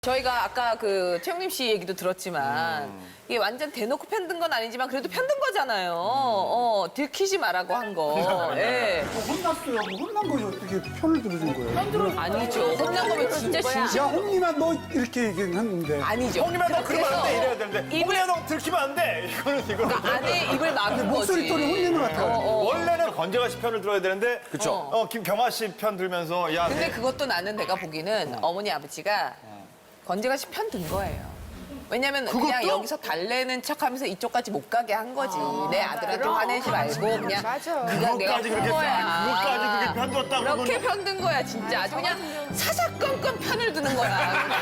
저희가 아까 그 최영림 씨 얘기도 들었지만 이게 완전 대놓고 편든 건 아니지만 그래도 편든 거잖아요. 들키지 말라고 한 거. 예. 혼났어요. 혼난 거지 어떻게 편을 들어준 거예요? 아니죠. 혼난 거면 진짜 진심. 야 홍님아 너 이렇게 얘기했는데 아니죠. 형님아 너 그러면 안 돼 이래야 되는데 입을- 홍리야 너 들키면 안 돼 이거는 그러니까 안에 입을 막은 거지. 목소리 톤이 혼내는 것 같아요. 원래는 건재가 씨 편을 들어야 되는데 그쵸 김경아 씨 편 들면서 야 근데 그것도 나는 내가 보기는 어머니 아버지가 건재가 씨 편 든 거예요. 왜냐면 그냥 여기서 달래는 척하면서 이쪽까지 못 가게 한 거지. 내 아들한테 화내지 말고 그냥 네가 내가 그것까지 편 그렇게 거야. 그것까지 그렇게 편뒀다 그렇게 그러면 편든 거야 진짜. 아주 그냥 사사건건 편을 드는 거야.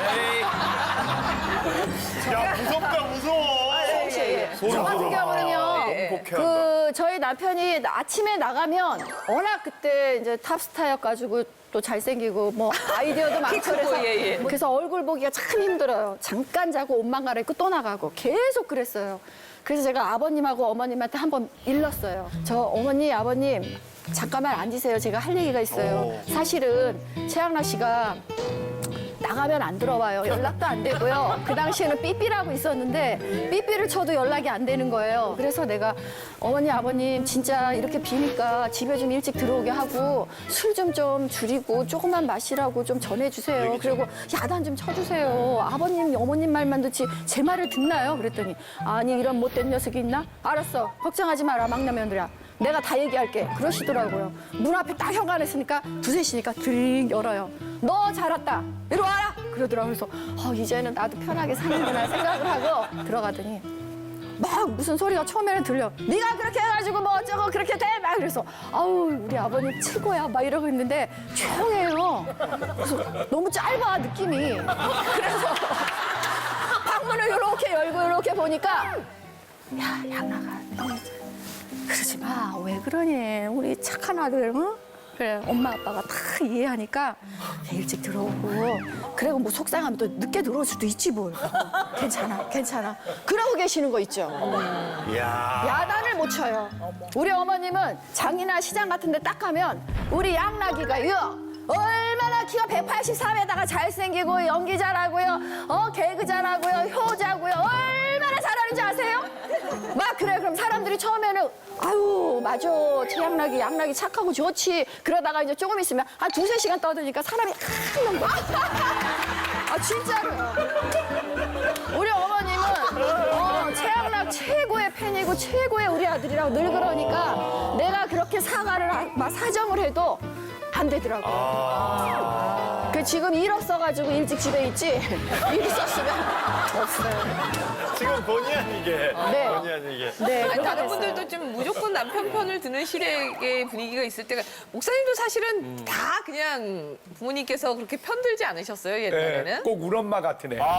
야 무섭다 무서워 저 같은 경우는요. 행복해한다 저희 남편이 아침에 나가면 워낙 그때 이제 탑스타여가지고 또 잘생기고 뭐 아이디어도 많고 그래서 예, 예. 그래서 얼굴 보기가 참 힘들어요. 잠깐 자고 옷만 갈아입고 또 나가고 계속 그랬어요. 그래서 제가 아버님하고 어머님한테 한번 일렀어요. 저 어머니 아버님 잠깐만 앉으세요. 제가 할 얘기가 있어요. 사실은 최양락 씨가 나가면 안 들어와요. 연락도 안 되고요. 그 당시에는 삐삐라고 있었는데 삐삐를 쳐도 연락이 안 되는 거예요. 그래서 내가 어머니 아버님 진짜 이렇게 비니까 집에 좀 일찍 들어오게 하고 술 좀 줄이고 조금만 마시라고 좀 전해주세요. 그리고 야단 좀 쳐주세요. 아버님 어머님 말만 듣지 제 말을 듣나요? 그랬더니 아니 이런 못된 녀석이 있나? 알았어. 걱정하지 마라 막내 며느리야. 내가 다 얘기할게. 그러시더라고요. 문 앞에 딱 현관했으니까 두세 시니까 드링 열어요. 너 잘 왔다. 이리 와라. 그러더라고요. 그래서 이제는 나도 편하게 사는구나 생각을 하고 들어가더니 막 무슨 소리가 처음에는 들려. 네가 그렇게 해가지고 뭐 어쩌고 그렇게 돼. 막 그래서 아우 우리 아버님 최고야. 막 이러고 있는데 조용해요. 그래서 너무 짧아 느낌이. 그래서 방문을 이렇게 열고 이렇게 보니까 야 양락아 너 그러지 마. 왜 그러니? 우리 착한 아들, 응? 그래, 엄마, 아빠가 다 이해하니까 일찍 들어오고. 그리고 뭐 속상하면 또 늦게 들어올 수도 있지, 뭘. 괜찮아, 괜찮아. 그러고 계시는 거 있죠? 이야 야단을 못 쳐요. 우리 어머님은 장이나 시장 같은 데 딱 가면 우리 양락이가요. 얼마나 키가 183에다가 잘생기고 연기 잘하고요. 개그 잘하고요. 효자고요. 얼마나 잘하는지 아세요? 막 그래. 그럼 사람들이 처음에는 아유 맞아. 최양락이 양락이 착하고 좋지. 그러다가 이제 조금 있으면 한 두세 시간 떠드니까 사람이 한명 아 진짜로요. 우리 어머님은 최양락 최고의 팬이고 최고의 우리 아들이라고 늘 그러니까 내가 그렇게 막 사정을 해도 안 되더라고요. 그 지금 일 없어가지고 일찍 집에 있지. 일 있었으면 없어요. 지금 본의 아니게 네. 본의 아니게 네. 아니, 그렇게 다른 됐어요. 분들도 좀 무조건 남편 편을 드는 시댁의 분위기가 있을 때가 목사님도 사실은 다 그냥 부모님께서 그렇게 편들지 않으셨어요 옛날에는? 네, 꼭 우리 엄마 같은 애.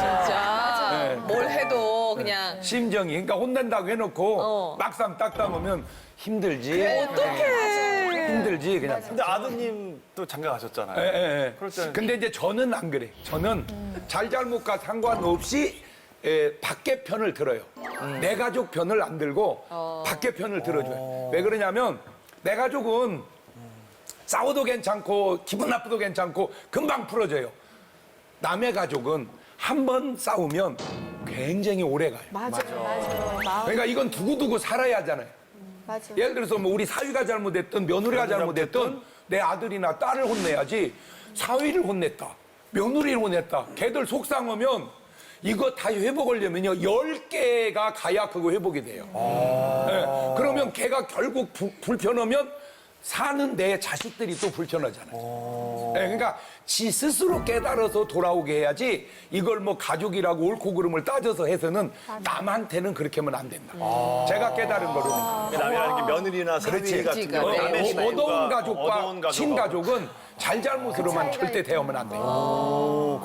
진짜 뭘 해도 그냥 심정이. 그러니까 혼낸다고 해놓고 막상 딱 담으면 힘들지. 어떡해. 힘들지 그냥. 근데 아드님도 장가 가셨잖아요 예, 예. 그럴 때는 근데 이제 저는 안 그래. 저는 잘잘못과 상관없이 밖에 편을 들어요. 내 가족 편을 안 들고 밖에 편을 들어줘요. 왜 그러냐면 내 가족은 싸워도 괜찮고 기분 나쁘도 괜찮고 금방 풀어져요. 남의 가족은 한 번 싸우면 굉장히 오래 가요. 맞아. 마음 그러니까 이건 두고두고 살아야 하잖아요. 맞아. 예를 들어서 뭐 우리 사위가 잘못했든 며느리가 잘못했든 내 아들이나 딸을 혼내야지 사위를 혼냈다, 며느리를 혼냈다. 걔들 속상하면 이거 다 회복하려면요 10개가 가야 그거 회복이 돼요. 네. 그러면 걔가 결국 불편하면 사는 내 자식들이 또 불편하잖아요. 네, 그러니까 지 스스로 깨달아서 돌아오게 해야지 이걸 뭐 가족이라고 옳고 그름을 따져서 해서는 남한테는 그렇게 하면 안 된다. 제가 깨달은 거로는. 남이라는 게 며느리나 사위 같은 경우 네. 남의 식구가 어두운 가족과 어두운 가족하고. 친가족은 잘잘못으로만 절대 대하면 안 돼요.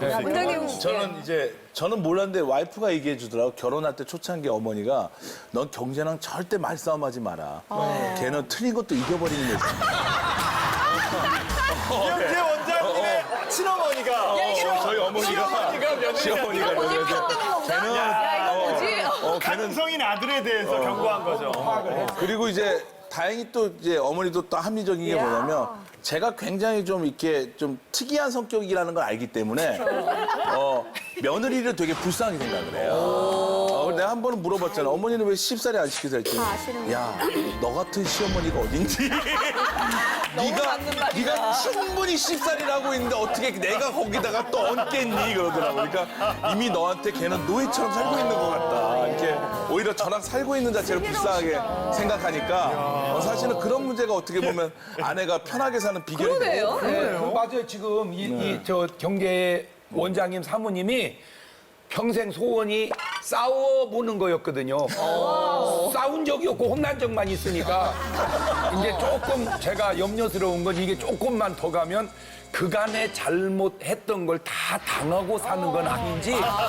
저는 몰랐는데 와이프가 얘기해 주더라고. 결혼할 때 초창기 어머니가 넌 경제랑 절대 말싸움하지 마라. 걔는 틀린 것도 이겨버리는 애지. 이영재 원장님의 친어머니가 저희 어머니가 시어머니가 뭐지 편 드는 건가? 야 이거 뭐지? 가능성인 아들에 대해서 경고한 거죠. 그리고 이제 다행히 또 이제 어머니도 또 합리적인 게 뭐냐면 제가 굉장히 좀 이렇게 좀 특이한 성격이라는 걸 알기 때문에 며느리를 되게 불쌍하게 생각을 해요. 내가 한 번은 물어봤잖아. 어머니는 왜 쉽사리 안 시키세요? 했더니 야, 너 같은 시어머니가 어딘지. 맞는 말이다. 네가 충분히 쉽사리라고 있는데 어떻게 내가 거기다가 또 얹겠니? 그러더라고. 그러니까 이미 너한테 걔는 노예처럼 살고 있는 것 같다. 이렇게 오히려 저랑 살고 있는 자체를 불쌍하게 생각하니까 사실은 그런 문제가 어떻게 보면 아내가 편하게 사는 비결이 그러네요. 그 맞아요. 지금 저 경제 원장님 사모님이 평생 소원이 싸워보는 거였거든요. 싸운 적이 없고 혼난 적만 있으니까 이제 조금 제가 염려스러운 건 이게 조금만 더 가면 그간에 잘못했던 걸 다 당하고 사는 건 아닌지.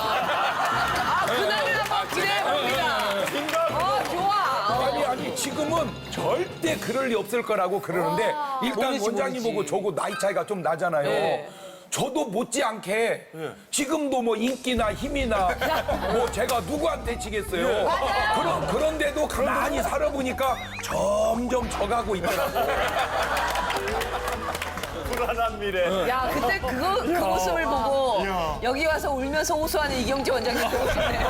그날을 한번 기대해봅니다. 좋아. 아니 지금은 절대 그럴 리 없을 거라고 그러는데 일단 원장님하고 저고 나이 차이가 좀 나잖아요. 네. 저도 못지않게 지금도 뭐 인기나 힘이나 뭐 제가 누구한테 지겠어요. 그런데도 가만히 살아보니까 점점 져가고 있더라고요. 불안한 미래. 야 그때 그 모습을 보고 여기 와서 울면서 호소하는 이경재 원장님 보고 싶네요.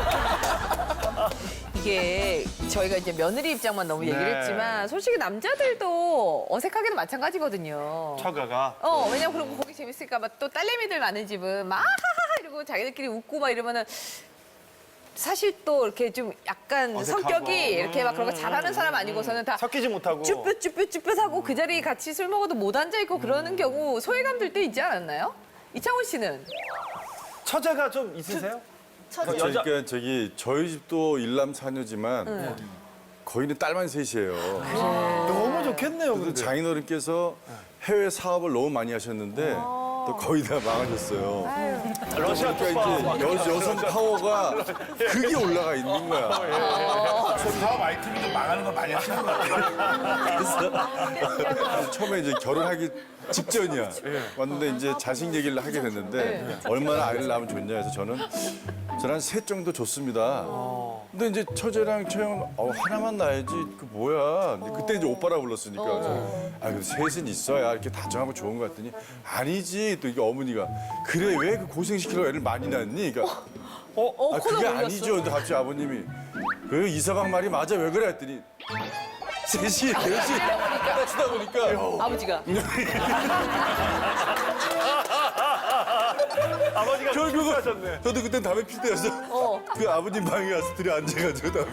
이게 저희가 이제 며느리 입장만 너무 얘기를 네. 했지만 솔직히 남자들도 어색하게도 마찬가지거든요. 처가가. 왜냐면 그리고 거기 재밌을까 봐 또 딸내미들 많은 집은 막 하하하 이러고 자기들끼리 웃고 막 이러면은 사실 또 이렇게 좀 약간 어색하고. 성격이 이렇게 막 그런 거 잘하는 사람 아니고서는 다 섞이지 못하고. 쭈뼛쭈뼛쭈뼛하고 그 자리에 같이 술 먹어도 못 앉아있고 그러는 경우 소외감 들 때 있지 않았나요? 이창훈 씨는? 처제가 좀 있으세요? 그러니까 저기 저희 집도 일남 사녀지만 거기는 딸만 셋이에요. 너무 좋겠네요, 그래서 근데. 장인어른께서 해외 사업을 너무 많이 하셨는데 또 거의 다 망하셨어요. 러시아 그러니까 이제 여성 파워가 극이 올라가 있는 거야. 사업 아이템이 망하는 거 많이 하시는 것 같아요. 그래서 처음에 이제 결혼하기 직전이야. 왔는데 이제 자식 얘기를 하게 됐는데 얼마나 아이를 낳으면 좋냐 해서 저는 한 셋 정도 좋습니다. 근데 이제 처제랑 처형 하나만 낳아야지 그 뭐야. 근데 그때 이제 오빠라 불렀으니까 그래도 셋은 있어야 이렇게 다정하고 좋은 것 같더니 아니지. 또 이게 어머니가 그래 왜 그 고생시키려고 애를 많이 낳니? 그러니까 코너 그게 올렸어. 아니죠. 근데 갑자기 아버님이 그 이서방 말이 맞아 왜 그래 했더니 셋이 하다 보니까 아버지가. 아버지가 결국은 하셨네. 저도 그땐 담배 필 때여서 그 아버님 방에 가서 둘이 앉아가지고 담배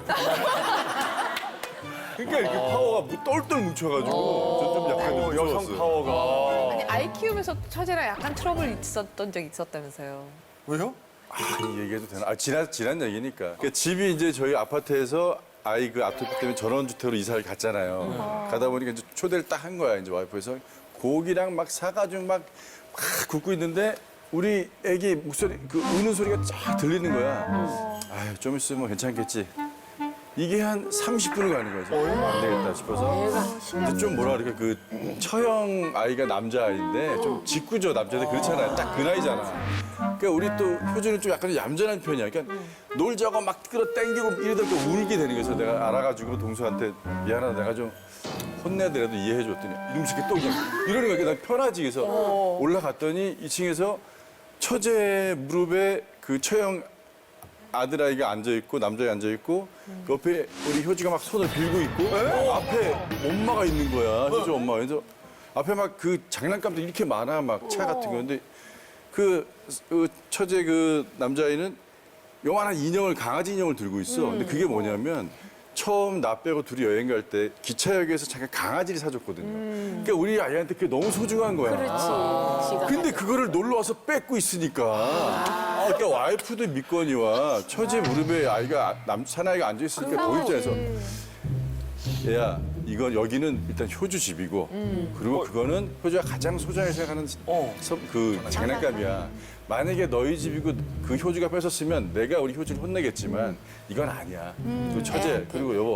그러니까 이렇게 파워가 뭐 똘똘 뭉쳐가지고 전 좀 약간 좀 여성 무서웠어요. 파워가. 아니, 아이 키우면서 처제랑 약간 트러블 있었던 적 있었다면서요. 왜요? 이 얘기해도 되나? 지난 얘기니까. 그러니까 집이 이제 저희 아파트에서 아이 그 아토피 때문에 전원주택으로 이사를 갔잖아요. 가다 보니까 이제 초대를 딱 한 거야. 이제 와이프에서 고기랑 막 사가지고 막 굽고 있는데 우리 애기 목소리 그 우는 소리가 쫙 들리는 거야. 아유 좀 있으면 괜찮겠지. 이게 한 30분을 가는 거예요. 그래서 안 되겠다 싶어서. 근데 좀 뭐라 그럴까 그 처형 아이가 남자아이인데 좀 짓궂어 남자들 그렇잖아요. 딱 그 나이잖아. 그러니까 우리 또 효준은 좀 약간 얌전한 편이야. 그러니까 놀자고 막 끌어당기고 이러다 또 울게 되는 거예요. 그래서 내가 알아가지고 동서한테 미안하다 내가 좀 혼내더라도 이해해줬더니 이놈 새끼 또 그냥 이러는 거야. 난 편하지. 그래서 올라갔더니 2층에서 처제 무릎에 그 처형 아들아이가 앉아있고 남자가 앉아있고 그 옆에 우리 효주가 막 손을 빌고 있고 앞에 엄마가 있는 거야. 효주 엄마. 그래서 앞에 막 그 장난감도 이렇게 많아. 막 차 같은 거. 근데 그 처제 그 남자아이는 요만한 인형을 강아지 인형을 들고 있어. 근데 그게 뭐냐면 처음 나 빼고 둘이 여행 갈 때 기차역에서 잠깐 강아지를 사줬거든요. 그러니까 우리 아이한테 그게 너무 소중한 거야. 근데 그거를 놀러 와서 뺏고 있으니까. 그러니까 와이프도 믿거니와 처제 무릎에 아이가 사나이가 앉아 있으니까 거기 있잖아서 얘야 이건 여기는 일단 효주 집이고 그리고 그거는 효주가 가장 소중하게 생각하는 그 장난감이야. 만약에 너희 집이고 그 효주가 뺏었으면 내가 우리 효주를 혼내겠지만 이건 아니야. 그 처제 그리고 여보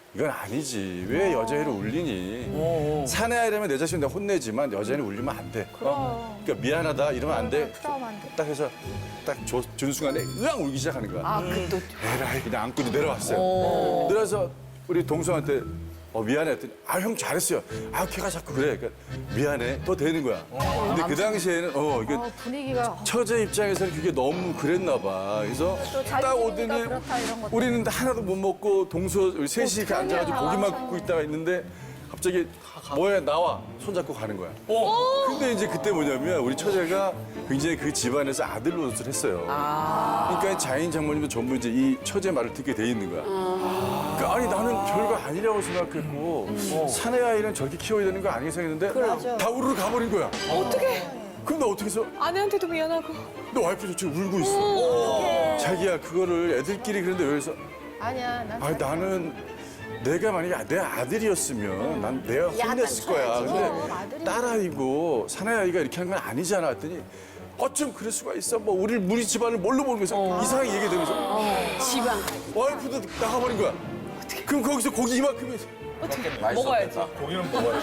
이건 아니지. 왜 여자애를 울리니? 사내 아이라면 내 자신 내가 혼내지만 여자애는 울리면 안 돼. 그러니까 미안하다 이러면 안 돼. 딱 해서 딱 준 순간에 으앙 울기 시작하는 거야. 아, 그 또. 에라이 그냥 안고 내려왔어요. 내려와서 우리 동서한테 미안해 했더니 형 잘했어요. 걔가 자꾸 그래. 그러니까 미안해. 더 되는 거야. 근데 그 당시에는 이게 분위기가 처제 입장에서는 그게 너무 그랬나 봐. 그래서 딱 오더니 그렇다, 이런 것도. 우리는 하나도 못 먹고 동서 우리 셋이 이렇게 앉아가지고 고기만 굽고 있다가 있는데 갑자기 뭐야 나와 손잡고 가는 거야. 근데 이제 그때 뭐냐면 우리 처제가 굉장히 그 집안에서 아들 노릇을 했어요. 그러니까 자인 장모님도 전부 이제 이 처제 말을 듣게 돼 있는 거야. 그러니까 아니 나는 별거 아니라고 생각했고 사내 아이는 저렇게 키워야 되는 거 아니겠어 했는데 다 우르르 가버린 거야. 어떻게? 그럼 나 어떻게 해서 아내한테도 미안하고. 너 와이프 지금 울고 있어. 자기야 그거를 애들끼리 그런데 여기서 아니야. 나는 내가 만약에 내 아들이었으면 난 내가 혼냈을 거야. 근데 딸아이고 사내아이가 이렇게 하는 건 아니잖아 했더니 어쩜 그럴 수가 있어. 뭐 우리 집안을 뭘로 모르면서 이상하게 얘기되면서 지방. 와이프도 나가버린 거야. 그럼 거기서 고기 이만큼이 먹어야지. 고기는 먹어야지.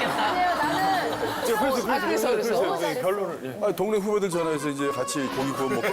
그래서. 결론을. 동네 후배들 전화해서 이제 같이 고기 구워 먹고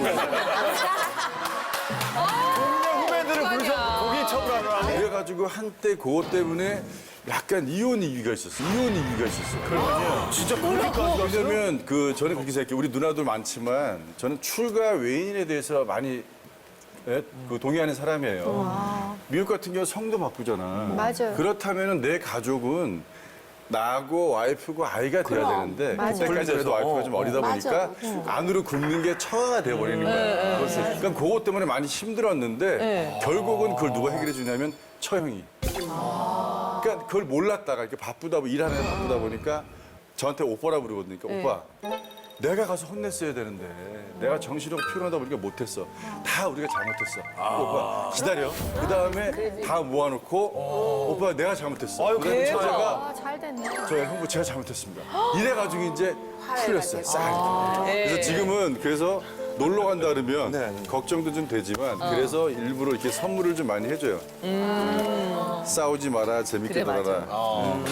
후배들을 불러서 고기 처분하느라고. 그래가지고 한때 그것 때문에 약간 이혼 이유가 있었어. 진짜 그렇게까지 갔어요? 왜냐면 저는 그렇게 생각해요. 우리 누나도 많지만 저는 출가 외인에 대해서 많이 동의하는 사람이에요. 미국 같은 경우 성도 바꾸잖아. 맞아요. 그렇다면 내 가족은 나하고 와이프고 아이가 돼야 되는데 맞아요. 그때까지라도 와이프가 좀 어리다 보니까 안으로 굽는 게 처가 돼버리는 거야. 그러니까 그것 때문에 많이 힘들었는데 결국은 그걸 누가 해결해 주냐면 처형이. 그러니까 그걸 몰랐다가 이렇게 일하느라 바쁘다 보니까 저한테 오빠라 부르거든요. 그러니까 오빠 내가 가서 혼냈어야 되는데 내가 정신없고 피곤하다 보니까 못했어. 다 우리가 잘못했어. 오빠 기다려. 그 다음에 다 모아놓고 오빠 내가 잘못했어. 그다음에 처제가 잘 됐네. 저 형부 제가 잘못했습니다. 이래가지고 이제 풀렸어요. 싹. 그래서 지금은 그래서 놀러 간다 그러면 걱정도 좀 되지만 그래서 일부러 이렇게 선물을 좀 많이 해줘요. 싸우지 마라, 재밌게 그래, 맞아. 놀아라.